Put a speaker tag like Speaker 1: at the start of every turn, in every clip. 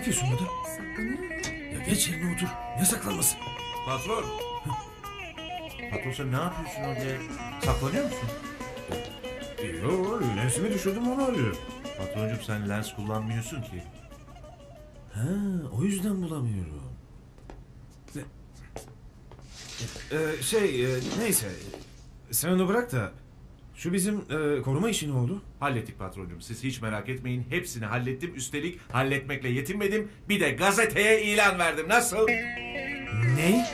Speaker 1: yapıyorsun burada?
Speaker 2: Saklanıyor.
Speaker 1: Ya geç yerine otur. Ne saklanması?
Speaker 3: Patron. Patron sen ne yapıyorsun orada ya? Saklanıyor musun?
Speaker 1: Yok, lensimi düşürdüm onu arıyorum.
Speaker 3: Patroncum sen lens kullanmıyorsun ki.
Speaker 1: Ha, o yüzden bulamıyorum. Neyse. Sen onu bırak da şu bizim koruma işi ne oldu?
Speaker 3: Hallettik patroncum. Siz hiç merak etmeyin. Hepsini hallettim. Üstelik halletmekle yetinmedim. Bir de gazeteye ilan verdim. Nasıl?
Speaker 1: Ne?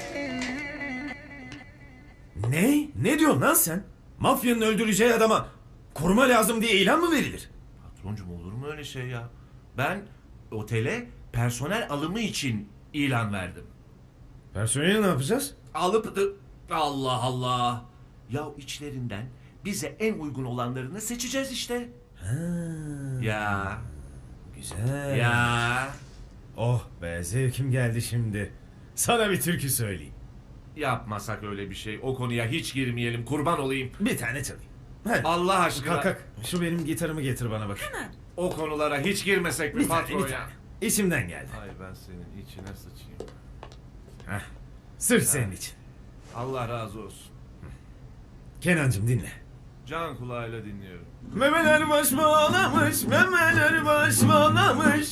Speaker 1: Ne? Ne diyorsun lan sen? Mafyanın öldüreceği adama koruma lazım diye ilan mı verilir?
Speaker 3: Patroncum olur mu öyle şey ya? Ben otele personel alımı için ilan verdim.
Speaker 1: Personeli ne yapacağız?
Speaker 3: Alıp da... Allah Allah. Ya içlerinden bize en uygun olanlarını seçeceğiz işte.
Speaker 1: Ha,
Speaker 3: Ya.
Speaker 1: güzel.
Speaker 3: Ya.
Speaker 1: Oh be, zevkim geldi şimdi. Sana bir türkü söyleyeyim.
Speaker 3: Yapmasak öyle bir şey. O konuya hiç girmeyelim. Kurban olayım.
Speaker 1: Bir tane çalayım. Hadi.
Speaker 3: Allah aşkına.
Speaker 1: Kalk kalk. Şu benim gitarımı getir bana bak.
Speaker 3: O konulara hiç girmesek mi
Speaker 1: Bir tane,
Speaker 3: patron
Speaker 1: bir
Speaker 3: ya?
Speaker 1: tane. İçimden geldi.
Speaker 3: Ay ben senin içine sıçayım.
Speaker 1: Heh. Sırf senin için.
Speaker 3: Allah razı olsun.
Speaker 1: Kenancığım dinle.
Speaker 3: Can kulağıyla dinliyorum.
Speaker 1: Memeler baş bağlamış, memeler baş bağlamış.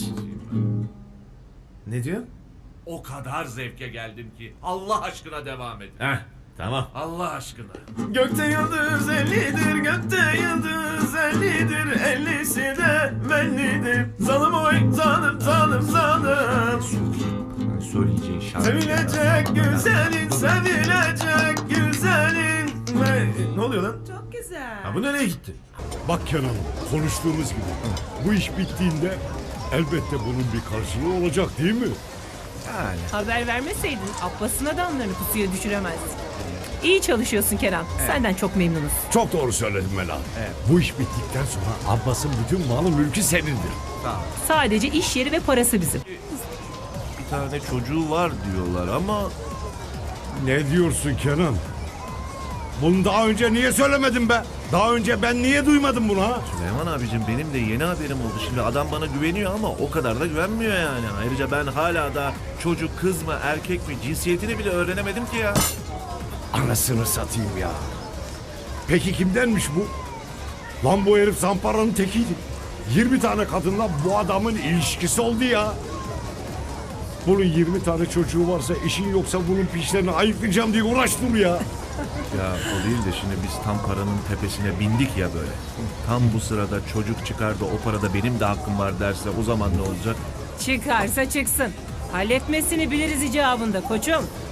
Speaker 1: Ne diyor?
Speaker 3: O kadar zevke geldim ki. Allah aşkına devam edin.
Speaker 1: Heh, tamam.
Speaker 3: Allah aşkına.
Speaker 1: Gökte yıldız ellidir, gökte yıldız ellidir, ellisi de bellidir. Zalim oy, zalim, zalim, zalim.
Speaker 3: Söyleyeceğin şarkı.
Speaker 1: Sevilecek güzelin, sevilecek güzelin. Ne oluyor lan?
Speaker 2: Çok güzel.
Speaker 1: Ha, bu nereye gitti?
Speaker 4: Bak Kenan, konuştuğumuz gibi. Bu iş bittiğinde elbette bunun bir karşılığı olacak değil mi?
Speaker 3: Yani.
Speaker 5: Haber vermeseydin Abbas'ın adamlarını pusuya düşüremezdin. İyi çalışıyorsun Kenan. Senden çok memnunuz.
Speaker 4: Çok doğru söyledin Mela. Bu iş bittikten sonra Abbas'ın bütün malı mülkü senindir.
Speaker 3: Sağ ol.
Speaker 5: Sadece iş yeri ve parası bizim.
Speaker 3: Bir tane çocuğu var diyorlar ama...
Speaker 4: Ne diyorsun Kenan? Bunu daha önce niye söylemedin be? Daha önce ben niye duymadım bunu ha?
Speaker 3: Süleyman abicim benim de yeni haberim oldu. Şimdi adam bana güveniyor ama o kadar da güvenmiyor yani. Ayrıca ben hala da çocuk kız mı erkek mi cinsiyetini bile öğrenemedim ki ya.
Speaker 4: Anasını satayım ya. Peki kimdenmiş bu? Lan bu herif zamparanın tekiydi. 20 tane kadınla bu adamın ilişkisi oldu ya. Bunun 20 tane çocuğu varsa işin yoksa bunun pişlerini ayıklayacağım diye uğraştım ya.
Speaker 3: Ya o değil de şimdi biz tam paranın tepesine bindik ya böyle. Tam bu sırada çocuk çıkar da o parada benim de hakkım var derse o zaman ne olacak?
Speaker 5: Çıkarsa çıksın. Halletmesini biliriz icabında koçum.